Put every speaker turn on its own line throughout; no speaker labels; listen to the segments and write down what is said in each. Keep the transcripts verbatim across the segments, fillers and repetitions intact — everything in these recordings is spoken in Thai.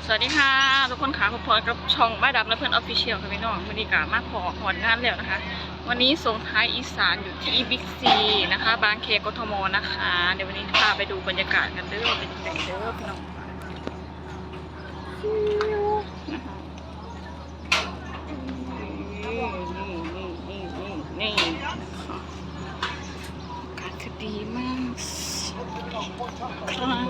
สวัสดีค่ะทุกคนค่ะพบกับช่องบ้านดำและเพื่อนออฟฟิเชียลค่ะพี่น้องวันนี้กะมาพอหอนงานแล้วนะคะวันนี้ส่งท้ายอีสานอยู่ที่บิ๊กซีนะคะบางเคกทมนะคะเดี๋ยววันนี้พาไปดูบรรยากาศกันเด้อเป็นยังไงเด้อพี่น้องนี่นี่นี่นี่นี่อากาศคือดีมากครับ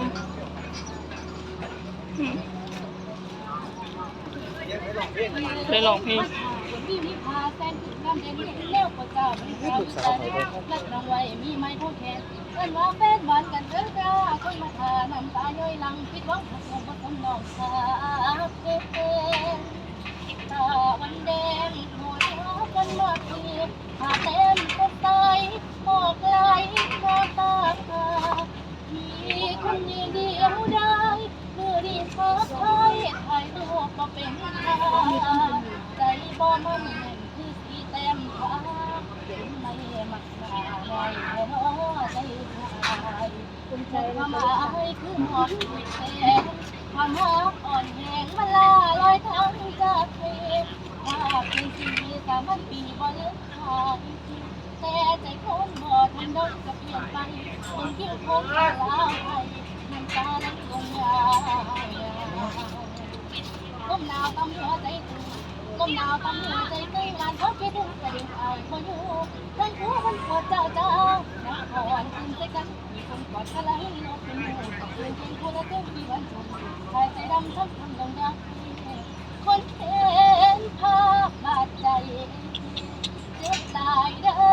ได้ลองเพลง
มีพาแซนถึงน้ำเด่นเลี้ยวกว่าเจ้ามีเราใส่นักรางวัลมีไม้ผู้แทนเอิ้นว่าแฟนหวานกันเด้อจ้าคนมาทาน้ำตาย่อยหลังคิดหวังหักลงบ่สมน้องสาเพื่อนตาวันแดงหัวเราะกันมาทีหาเต้นก็ตายหมอกไหลน้ำตามีคนยืนเดียวได้มือดีฟ้าไทยถ่ายรูปมาเป็นทางใจบ่มันแน่นคือสีแต้มฟ้าเป็นไม่มักหน้าไว้แค่น้อใจชายคุณใจความหมายคือหอมแสงความรักอ่อนแหงมาลาลอยทางจากเพลงภาพเป็นสีสามัญปีบ่เลือกขาดแต่ใจคนบ่ทันดอกก็เปลี่ยนไปคนคิ้วคงลาไปน้ำตาไหลลงยาวลมหนาวตำหัวใจตื่นลมหนาวตำหัวใจตื่นงานเขาคิดถึงกระดิ่งอายพออยู่เรื่องหัวมันปวดเจ้าเจ้านักอ่อนขึ้นใจกันมีคนกอดกันแล้วให้นกเป็นหมู่กับเพื่อนเพียงคนละเจ้าที่วันชมชายใจดำช้ำทำดงรักคนเห็นภาพบาดใจเจ็บตายเด้อ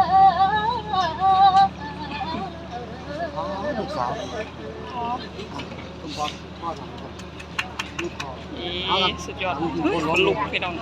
ลูกสาวคุณพ่อพ่อทำครับลูกพ่อ
นี่สุดยอดคนลุกพี่น้อง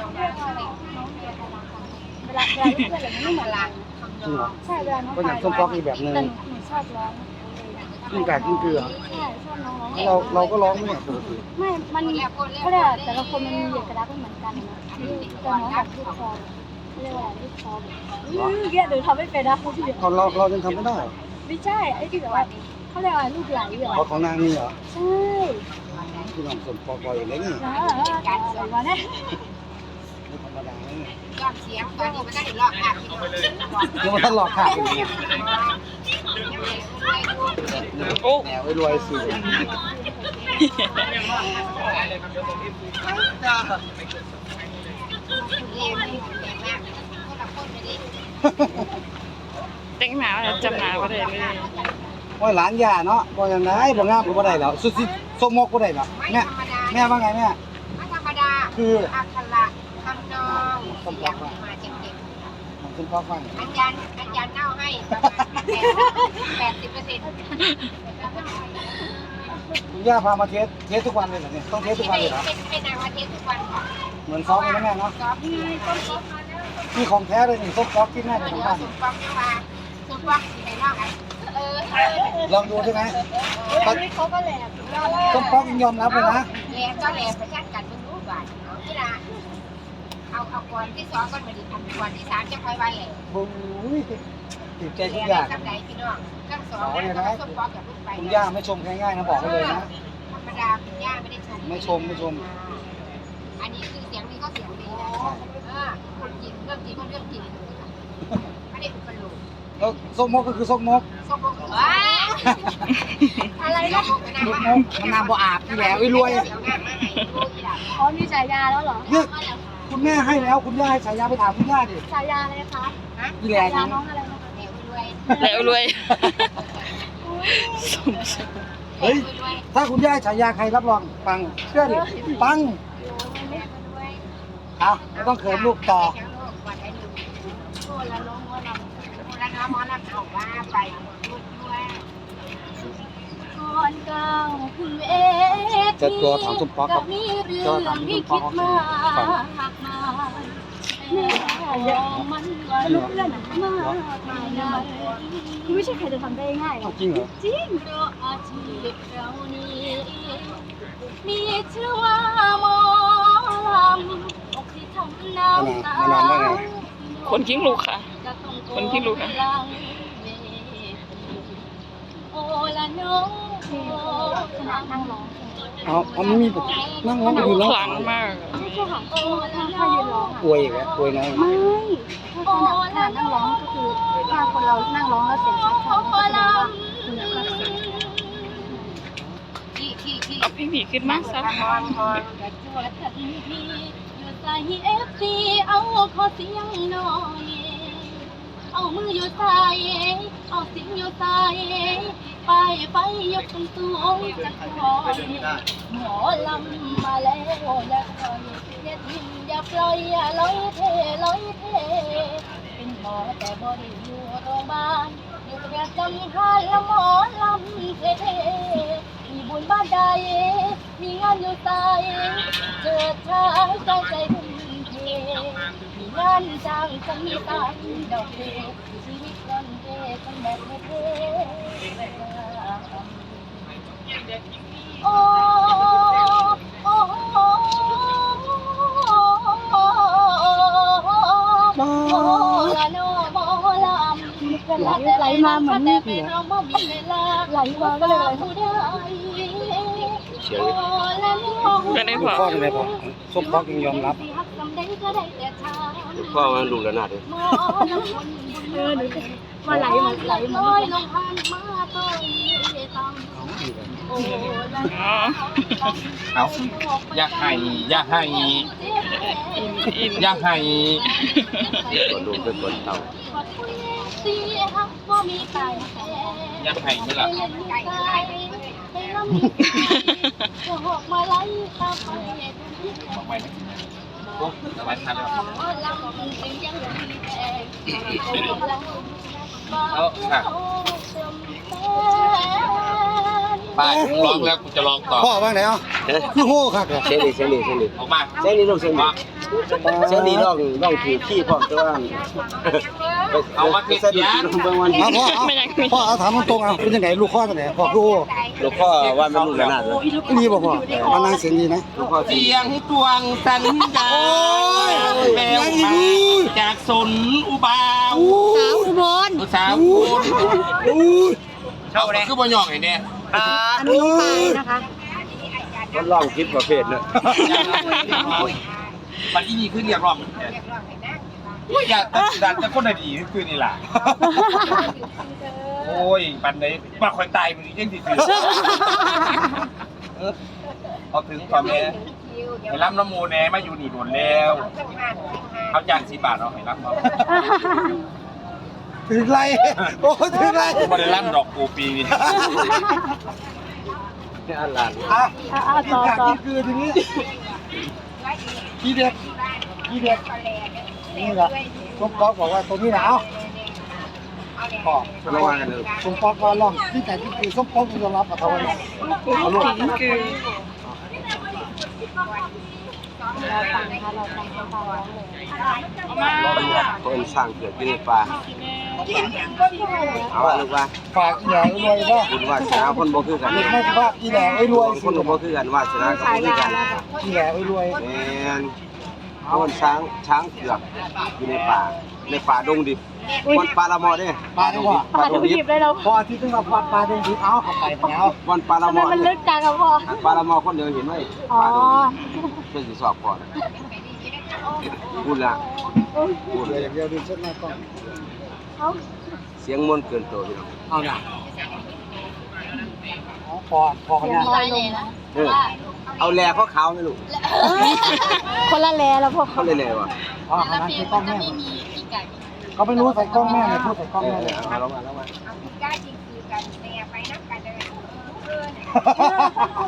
เวลาเวลาที่เพื่อนอะไรไม่เหมือนเรา
จริงเหรอ
ใช่เวลาน้อง
ก็อย่างส้มป๊อกอีกแบบหนึ่ง
แต่หนูชอบร้อง
กินไก่กินเกลือ
ใช่ชอบน้องร้อง
เราเราก็ร้องไม่เนี่ยปกติ
ไม่ มันเขาเรียกแต่ละคนมันมีเอกลักษณ์ไม่เหมือนกันนะแต่น้องแบบลูกคอเขาเรียกว่าลูกคอแบบเกี้ยเดี๋ยวทำไม่เป็นนะพี่
เราเราเรายังทำไม่ได้เหรอ
ไม่ใช่ไอ้ที่แบบว่าเขาเรียกว่าลูกไหลเหรอ
เพราะของนางนี่เหรอ
ใช่
ที่น้องส้มป๊อกบ่อยเลยนี่
นะอะไรวะเนี่ย
ไม่ธรรมดาเลยนี่
ยอดเสียงตอนนี้มันได้หลอกค่ะพี่น้อง
ยังไม่ทันหลอกขาดอยู่เนี่ย
โอ้
แหนวไว้รวยสิ
เรียนไม่เก่งมากคนละคนเลยดิ
เต็งหนาจำหนาก็ได้เลย
ว่าหลานย่าเนาะบ่ยังไงบ่งามก็บ่ได้แล้วสุดสิส้มมกก็ได้แล้ว
ไม่
แม่
ธรรมดา
แม่ว่าไงแม่
ไม่ธรรมดา
คือ
อักขระทำนองเสียงมาเจ็บ
น้องส้มป๊อกฟัง
ๆอาจารย์อาจารย์เน่าให้แปดสิบเปอร์เซ็นต์
คุณย่าพามาเทสเทสทุกวันเลยเหรอเนี่ยต้องเทสทุกวันเลยเหรอ
เป็นเป็นนางมาเทสทุกวันค่ะ
เหมือนซ้อมเลยนะแม่เนาะ
ซ้อมที่ต้นต้น
นี่ของแท้เลยนี่ส้มป๊อกที่แม่
เดี๋
จะ
ยว
ทำบ้าน
สุดฟองเนี่ยมาสุดฟองสีไหนนอกอ่ะเออ
ลองดูใช่ไหม
อันนี้เขาก็แหลม
ส้มป๊อกยังยอมรับเลยนะ
แหลมก็แหลมประชันกันมึงรู้บ่ายเอาที่ละเอาเอาก่อนที่สองก่อนมาดิก่อนที่สามจะค่อยว่าแหลม
โอ้ยติดใจทุก
แห
อ
ล
ย่าม ง
สักไหนพี่น้องทั้งสองนะส้มป๊อกกับลูกไป
คุณย่าไม่ชมง่ายๆนะบอกไว้เลยนะ
ธรรมดาคุณย่าไม่ได้ชม
ไม่ชมไม่ชม
อันนี้คือเสียงดีก็เสียงดีนะเออคนจริงเรื่องจริงก็เรื่องจริงไม่ได้อุปโลก
แล้วส้มมกก็คือส้มมก
ส้มโอว้าอะไรนะ
ส้มมกมันน้ำบ่อาบที่แล้วไอ้รวย
เสียงงานมาไหนดูอีหล่ะ
อ๋อมีฉายาแล้วเหรอ
เนี่ยคุณแม่ให้แล้วคุณย่าให้ฉายาไปถามคุณย่าดิ
ฉายาอะไรคะ
ฮะ
อีแหล่
ฉายา
นี่
น้องอะไรนะคะ
เหลวรวย
แล้วรวยสม
เฮ้ยถ้าคุณย่าให้ฉายาใครรับรองปังเชื่อดิปังเอาไม่ต้องเขินลูกต่อ
โอ้ละน้องว่าเราโอ้ละน้องมอละเอาว่าไปพูดด้วย
ก่อนก้าวขึ้นเวที
จะตัวถามส้มป๊อกครับ
มีเรื่องที่คิดมากมายแม่ของมันก็ลุกเล่นมากมายนะคือไม่ใช่ใครจะทำได้ง่ายหรอก
จริงเหรอ
จริงเพราะอาชีพเรานี้มีชื่อว่าหมอลำอกที่ทำน้ำตา
คนกิ้งลูกค่ะ คนที่รู้นะ
โอละน้องโอขนาดนั่งร้อง
เอาเอาไม่มีแบบนั่งร้องอยู่ร้อง
ขลังมาก
ไม่ใช่ค่ะถ้ายืนร้อง
อวยอีกแล้วอวยน้อย
ไม่ถ้าขนาดขนาดนั่งร้องก็คือถ้าคนเรานั่งร้องแล้วเสียงชัดๆก็แสดงว่าคุณภาพเสียง
ที่ที่ที่
เอาเพลงผีขึ้นมาซะ
กระจวดทันทีอยู่ใส่เอฟซีเอาขอเสียงหน่อย เอามืออยู่ใส่เอาเสียงอยู่ใส่ไปไปยกสูงสูงจะคอยหมอลำมาแล้วอย่าคอยอย่าทิ้งอย่าปล่อยอย่าลอยเทลอยเทเป็นหมอแต่บ่ได้อยู่โรงพยาบาลอยู่ประจำห้านละหมอลำเทเทมีบุญบ้านใดมีงานอยู่ใส่เจิดชายใจใจทุ่มเทมีงานจ้างจะมีตังดอกเบี้ยชีวิตก่อนเทกันแบบเท่ๆโอ้โอ้โอ้โอ้ละโนโมลำไหลมาเหมือนนี่ไหลมาก็เลยผู้ใด
เสียง
ก็ได้พอ
พ่อเป็นไงพ่อส้มพ่อยังยอมรับ
พ่อมันดูแล้วน่าเลย
เออดูมาไหลมาไหลมาลงพันมาต้อยตำโอ้
อ๋อ
เอาอยากให้อยากให้
อินอิน
อยากให้ตัวดูเป็นคนเต่า
ตีฮักว่ามีไก่แท้
อยากให้นี่ล่ะ
เล่นไก่ให้ลำจะหอกมาไล่ตาไป
บอกไปโอ้สบายทันแล้วเอาค่ะป้าร้องแล้วกูจะร้องต่อ
พ่อว่าไงอ่ะคือโห่ครับ
เสียงดีเสียงดีเสียงดีออกมาเสียงดีลูกเสียงดีเสียงดีร้องร้องถือขี้พร้อมแต่ว่าเอามาเก็บยาเบิ่งวัน
เอาพ่อเอาพ่อเอาถามตรงๆเอาเป็นยังไงลูกข้อตัวไหนพ่อลูก
หลวงพ่อว่ามันลูกระนาดเลย
นี่บ่พ่อมานั่งเสียงดีนะ
หลวงพ่อเสียงตวงสัญญาแววมาจากสนอุบาว
สาวอุบล
สาวคุณเขาคือบ่ยองไอ้เนี่ย
อันนี้ไปนะคะ
มันร้องคลิปประเภทเนอะมันที่นี่คือเรียกร้องอยากดันแต่คนดีคือนี่ล่ะโอ้ยปันไหนมาคอยตายมันยังสิถือเอาถึงก่อนแม่ให้รับน้ำมูแน่มาอยู่นี่โดนแล้วเอาจานสิบบาทเอาให้รับเอา
ถึงไรโอ้ถึงไร
ไม่ได้รับดอกปูปีนี่นี่อันหลาน
อ่ะต่อต่อคือทีนี้ที่เด็ดที่เด็ดนี่แหละส้มป๊อกบอกว่าตัวนี้หนาวพ่อ
ระวังกันเลย
ส้มป๊อกก็ร้องที่แต่ที่คือส้มป๊อกยอมรับกับเขาเลยเอาลูก
อินคือ
เราฟังนะคะเราฟังเขาร้องเลย
เอามา
ต้นสร้างเกิดขึ้นในป่าเอาว่าลูกว่า
ฝากอีแหล่รวยก็
บุญวาสนาคนบ่คือกัน
ไม่ใช่ว่าอีแหล่รวย
คนบ่คือกันวาสนาก็บ่คือกัน
อีแหล่รวย
แม่นเอามันช้างช้างเผือกอยู่ในป่าในป่าดงดิบวันปลาละมอเด้
ปลาดีกว่า
ปลาดงดิบ
พอที่ต้องมาปลาปลาดงดิบเอาเข้าไปแล้ว
วันปลาละมอ
มันลึกจังครับพ่อ
ปลาละมอคนเดียวเห็นไหมปลาดงดิบเพื่อสิสอบก่อนพูดละพูด
เหลืออย่างเดียวดูเช็ดหน้ากล้อง
เสียงมนต์เกินตัวพี่น้อง
เอาหน่ะเอาพอพอเนี่ย
ลอยเลยนะ
เออเอาแลเขาขาวไหมลูก
คนละแลแล้วพ่อ
เขาเลยแลวะ
อ๋อขนาดที่กล้องแม่
ไม่มีพี่ไก่
เขาไม่รู้ใส่กล้องแม่เลยพูดใส่กล้อง
เอ
แม่
อ
เลย
เอาลงมาลงมา
ก้าจริงคือกันแม่ไปนับกันเลยเออ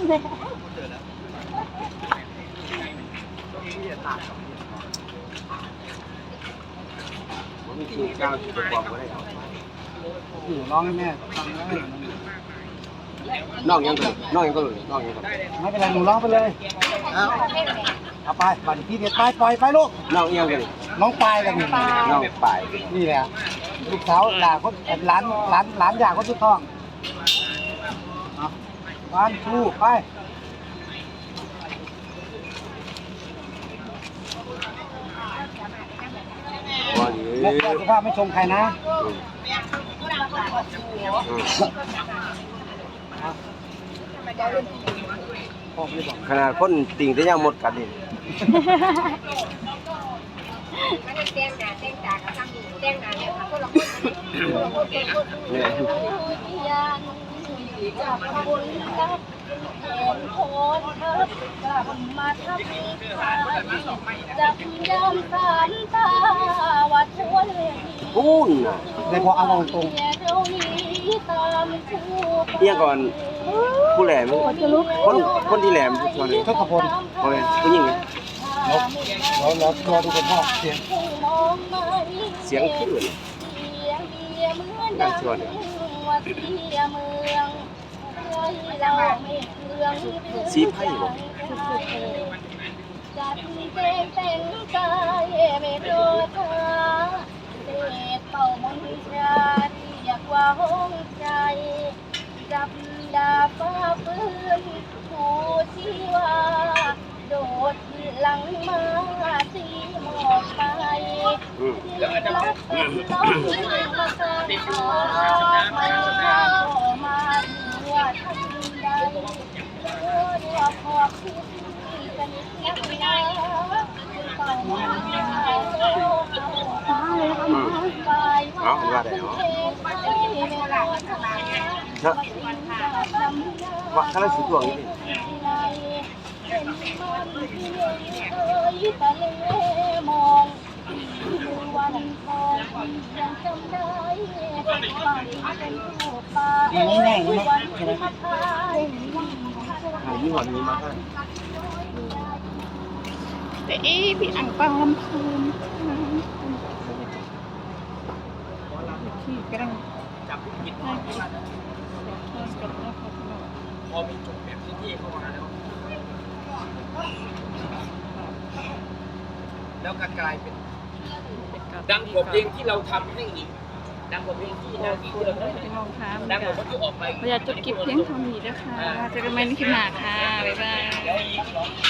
ผมมีคิวก้าวที่ประกอบก็ได้
อยู่ร้องให้แม่ฟังได้
น้องยังก็น้องยังก็เลยน้องยังก็
ไม่เป็นไรหนูร้องไปเลยเอาไปบัตรที่เด็ดไปปล่อยไปลูก
น้องยังก็เลย
น้องปลายกันนี่
น้องป่าย
นี่แหละลูกสาวหลานคนหลานหลานหลานอยากคนสุดท้องเอาบ้านชูไป
วันนี้
แม่แม่สุภาพไม่ชมใครนะ
อืม
พ่อไม่บอก
ขนาดคนติ่งแต่ยังหมดกันนี่
มันจะแจ้งหน้าแจ้งตากับทำนี่แจ้งหน้าเนี่ยคนละคนคนละคนคนละคน
เนี่ย
ยังจากคนรับเห็นคนทับกลับมาทำอีกครั้งจับยามสามตาว่าทวนเ
พูนน่ะ
ในพอเอาตรง
เที่ยก่อนผู้แหลมคนคนที่แหลมผู้ชาย
ๆทศพล
โอ้ยผู้หญิงไง
เราเรารอดูคนพ่อเสียง
เสียงขึ้นเลย
ดังชวนเนี่ย
สีไพ่บ่
จัดเต็มเป็นกายไม่โดนเธอเด็ดเป่ามนต์ชาเรียกว่าห้องใจจับดาฟ้าฟื้นผู้ชีวาโดดหลังมาสีหมอกไป
อืม
รักเป็นต้องมาสร้างไม่เข้ามาหัวทันใดเธอเรียกพอคิดสนิทนักหนาต้องมาโลกเอาไปเอาว่าได้เนาะ
เนาะว่าถ้าเราสิตัวนี้
เป็นมันที่เอ่ยตะเลมองวันทองยังจำได้ฝันเป็นรูปป่าวันพัดพาย
หายี่ห้อนี้มาให้
แต่เอ๊ะพี่อังเปาลำพูนที่กำลังจับกินได้กินพอมีจุดแบบที่เข้ามาแล้วแล้วก็กลายเป็นดังกว่าเพลงที่เราทำให้อีกดังกว่าเพลงที่นางอีกที่เราทำให้ดังกว่าคนที่ออกไปอยากจบคลิปเพียงเท่านี้นะคะเจอกันใหม่ในคลิปหน้าค่ะบ๊ายบาย